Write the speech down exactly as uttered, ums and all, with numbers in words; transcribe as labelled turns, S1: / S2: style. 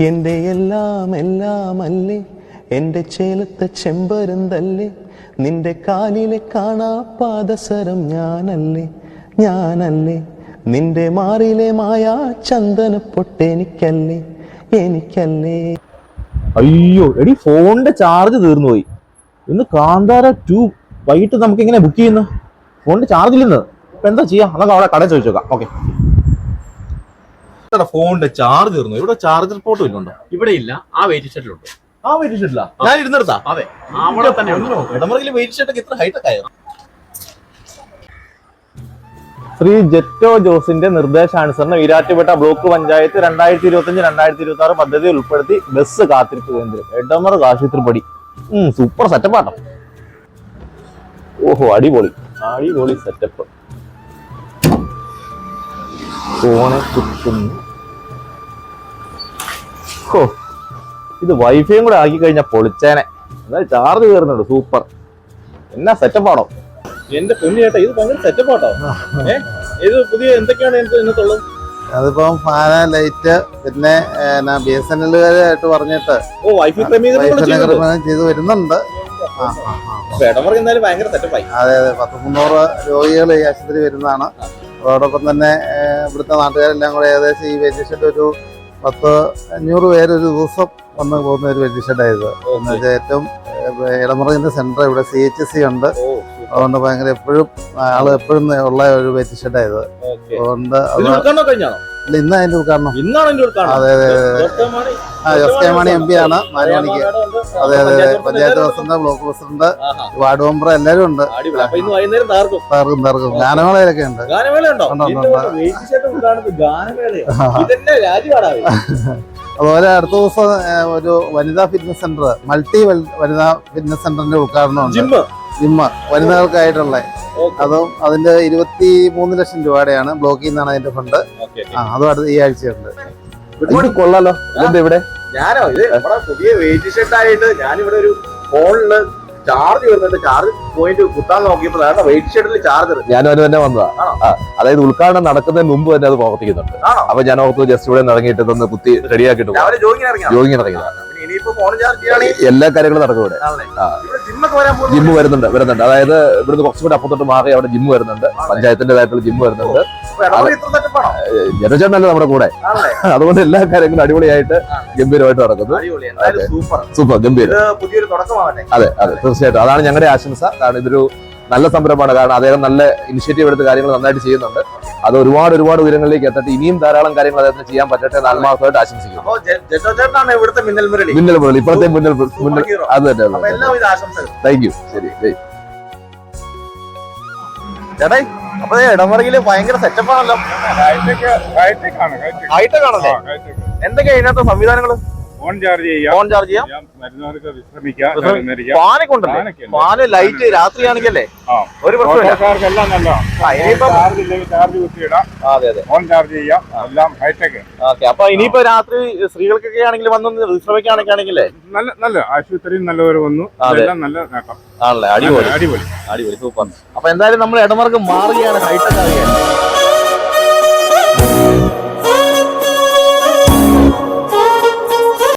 S1: എൻ്റെ എല്ലാം എല്ലാം അല്ലേ, എൻ്റെ ചേലത്തെ ചെമ്പരുന്തല്ലേ, നിന്റെ കാലിലെ കാണാ പാദസരം ഞാനല്ലേ ഞാനല്ലേ, നിന്റെ മാറിലെ മായാ ചന്ദന പൊട്ടെനിക്കല്ലേ എനിക്കല്ലേ.
S2: അയ്യോ എടി, ഫോണിന്റെ ചാർജ് തീർന്നു പോയി. ഇന്ന് കാന്താര ടു വൈകിട്ട് നമുക്ക് എങ്ങനെ ബുക്ക് ചെയ്യുന്നു? ഫോണിന്റെ ചാർജ് ഇല്ലെന്ന്. ഇപ്പൊ എന്താ ചെയ്യാ? നമുക്ക് അവിടെ കടയിൽ ചോദിച്ചു നോക്കാം. ഓക്കെ. ഫോണിന്റെ ചാർജ് തീർന്നു. ഇവിടെ ചാർജർ പോർട്ട് ഇല്ലുണ്ടോ?
S3: ഇവിടെ ഇല്ല, ആ വെയിറ്റ് ഷെഡിലുണ്ട്.
S2: ആ വെയിറ്റ് ഷെഡിലാ ഞാൻ ഇരുന്നെടുത്താ?
S3: അതെ, അവിടെ തന്നെ
S2: ഇടമറയിലെ വെയിറ്റ് ഷെഡൊക്കെ ഇത്ര ഹൈടെക് ആയോ? ശ്രീ ജെറ്റോ ജോസിന്റെ നിർദ്ദേശാനുസരണം ഈരാറ്റുപേട്ട ബ്ലോക്ക് പഞ്ചായത്ത് രണ്ടായിരത്തി ഇരുപത്തി അഞ്ച് രണ്ടായിരത്തി ഇരുപത്തി ആറ് പദ്ധതി ഉൾപ്പെടുത്തി ബസ് കാത്തിരിപ്പ് കേന്ദ്രം എടമറ ആശുപത്രിപ്പടി. ഉം സൂപ്പർ സെറ്റപ്പ് ആട്ടോ. ഓഹോ, അടിപൊളി അടിപൊളി സെറ്റപ്പ്. ഫോണ് ചുറ്റുന്നു. ഓ, ഇത് വൈഫൈയും കൂടെ ആക്കി കഴിഞ്ഞാൽ പൊളിച്ചേനെ. എന്നാൽ ചാർജ് കയറുന്നുണ്ട്. സൂപ്പർ. എന്നാ സെറ്റപ്പ് ആണോ എന്റെ പൊന്നു ചേട്ടാ? ഇത് ഭയങ്കര സെറ്റപ്പ് ആട്ടോ. ഏഹ് ഇത് പുതിയ എന്തൊക്കെയാണ് ഇതിനകത്തുള്ളത്?
S4: അതിപ്പം ഫാന, ലൈറ്റ്, പിന്നെ ബി എസ് എൻ എല്ലുകാരായിട്ട് പറഞ്ഞിട്ട്
S2: ഓ വൈഫൈ ക്രമീകരണം
S4: ചെയ്ത് വരുന്നുണ്ട്.
S2: ഭയങ്കര സെറ്റപ്പായി.
S4: അതെ അതെ, പത്ത് മുന്നൂറ് രോഗികൾ ഈ ആശുപത്രി വരുന്നതാണ്. അതോടൊപ്പം തന്നെ ഇവിടുത്തെ നാട്ടുകാരെല്ലാം കൂടെ ഏകദേശം ഈ വെയിറ്റിംഗ് ഷെഡ് ഒരു പത്ത് അഞ്ഞൂറ് പേര് ഒരു ദിവസം വന്ന് പോകുന്ന ഒരു വെയിറ്റിംഗ് ഷെഡായത്. എന്നുവെച്ചാൽ ഏറ്റവും ഇടമറയിന്റെ സെന്റർ ഇവിടെ സി എച്ച് സി ഉണ്ട്. അതുകൊണ്ട് ഭയങ്കര എപ്പോഴും ആള് എപ്പോഴും ഉള്ള ഒരു വെയിറ്റിംഗ് ഷെഡായത്. അതുകൊണ്ട് ഇന്ന് അതിന്റെ ഉദ്ഘാടനം. അതെ അതെ ആ S K Mani M P ആണ് നാല് മണിക്ക്. അതെ അതെ അതെ, panchayat president, block president, ward member എല്ലാരും ഉണ്ട്. തർക്കും തർക്കും ഗാനമേളയിലൊക്കെ ഉണ്ട്. അതുപോലെ അടുത്ത ദിവസം ഒരു വനിതാ ഫിറ്റ്നസ് സെന്റർ, മൾട്ടി വനിതാ ഫിറ്റ്നസ് സെന്ററിന്റെ ഉദ്ഘാടനം ഉണ്ട്. ജിമ്മ് വനിതകൾക്കായിട്ടുള്ള. അതും അതിന്റെ ഇരുപത്തി മൂന്ന് ലക്ഷം രൂപയുടെയാണ്. ബ്ലോക്കിൽ നിന്നാണ് അതിന്റെ ഫണ്ട്. ആ അതും അടുത്ത ഈ ആഴ്ചയുണ്ട്.
S2: കൊള്ളാലോ. ഇവിടെ
S3: ഞാനോ ഇത് നമ്മുടെ പുതിയ വെയിറ്റ് ഷെഡ് ആയിട്ട് ഞാനിവിടെ ഒരു ഫോണില് ചാർജ് വരുന്നുണ്ട്. ചാർജ് പോയിന്റ് കുത്താൻ നോക്കിയപ്പോൾ വെയിറ്റ് ഷെഡിൽ ചാർജർ
S2: ഞാനും അതിന് തന്നെ വന്നതാ. അതായത് ഉദ്ഘാടനം നടക്കുന്നതിന് മുമ്പ് തന്നെ അത് പ്രവർത്തിക്കുന്നുണ്ട്. അപ്പൊ ഞാൻ ഓർത്ത് ജസ്റ്റ് ഇവിടെ ഇറങ്ങിയിട്ട് ഒന്ന് കുത്തി റെഡിയാക്കിട്ട് ജോഗിങ് ഇറങ്ങിയതാണ്. എല്ലാ കാര്യങ്ങളും നടക്കും ഇവിടെ. ജിമ്മ് വരുന്നുണ്ട് വരുന്നുണ്ട് അതായത് ഇവിടുന്ന് കുറച്ചുകൂടി അപ്പുറത്തോട്ട് മാറി അവിടെ ജിമ്മ് വരുന്നുണ്ട്. പഞ്ചായത്തിന്റേതായിട്ടുള്ള ജിമ്മ് വരുന്നുണ്ട്. ജനചേട്ടനല്ലേ നമ്മുടെ കൂടെ. അതുകൊണ്ട് എല്ലാ കാര്യങ്ങളും അടിപൊളിയായിട്ട് ഗംഭീരമായിട്ട് നടക്കുന്നു. സൂപ്പർ ഗംഭീരം. അതെ അതെ തീർച്ചയായിട്ടും അതാണ് ഞങ്ങളുടെ ആശംസ. കാരണം ഇതൊരു നല്ല സംരംഭമാണ്. കാരണം അദ്ദേഹം നല്ല ഇനിഷ്യേറ്റീവ് എടുത്ത് കാര്യങ്ങൾ നന്നായിട്ട് ചെയ്യുന്നുണ്ട്. അത് ഒരുപാട് ഒരുപാട് ഉയരങ്ങളിലേക്ക് എത്തട്ടെ. ഇനിയും ധാരാളം കാര്യങ്ങൾ അദ്ദേഹത്തിന് ചെയ്യാൻ പറ്റട്ടെ എന്ന് ആത്മാർത്ഥമായിട്ട് ആശംസിക്കുന്നു. മിന്നൽ മുരളി ഇപ്പോഴത്തെ മുന്നൽ മുന്നൽ അത് തന്നെ. Thank you. ശരി ചേട്ടാ. അപ്പൊ ഇടമറയില് ഭയങ്കര സെറ്റപ്പാണല്ലോ. ഹൈടെക് ആണല്ലേ? എന്തൊക്കെയാ ഇതിനകത്ത് സംവിധാനങ്ങള്?
S5: ഫോൺ ചാർജ് ചെയ്യാം,
S2: ഫോൺ ചാർജ് ചെയ്യാം,
S5: മരുന്നുകൾക്ക് വിശ്രമിക്കാം,
S2: ഫാനൊക്കെ ഉണ്ടല്ലേ? ഫാന് ലൈറ്റ് രാത്രിയാണെങ്കിലേ ഒരു
S5: പ്രശ്നമില്ല. ചാർജ് കുത്തിയിടാം.
S2: അതെ അതെ,
S5: ഫോൺ ചാർജ് ചെയ്യാം, എല്ലാം ഹൈടെക്.
S2: ഓക്കെ. അപ്പൊ ഇനിയിപ്പോ രാത്രി സ്ത്രീകൾക്കൊക്കെ ആണെങ്കിൽ വന്നൊന്ന് വിശ്രമിക്കുകയാണെങ്കിൽ ആണെങ്കിലേ
S5: നല്ല നല്ല ആശുപത്രിയും നല്ലവർ വന്നു. നല്ല നേട്ടം
S2: ആണല്ലേ? അടിപൊളി അടിപൊളി അടിപൊളി സൂപ്പർ. അപ്പൊ എന്തായാലും നമ്മൾ ഇടമർക്ക് മാറുകയാണ്, ഹൈടെക് ആവുകയാണ്.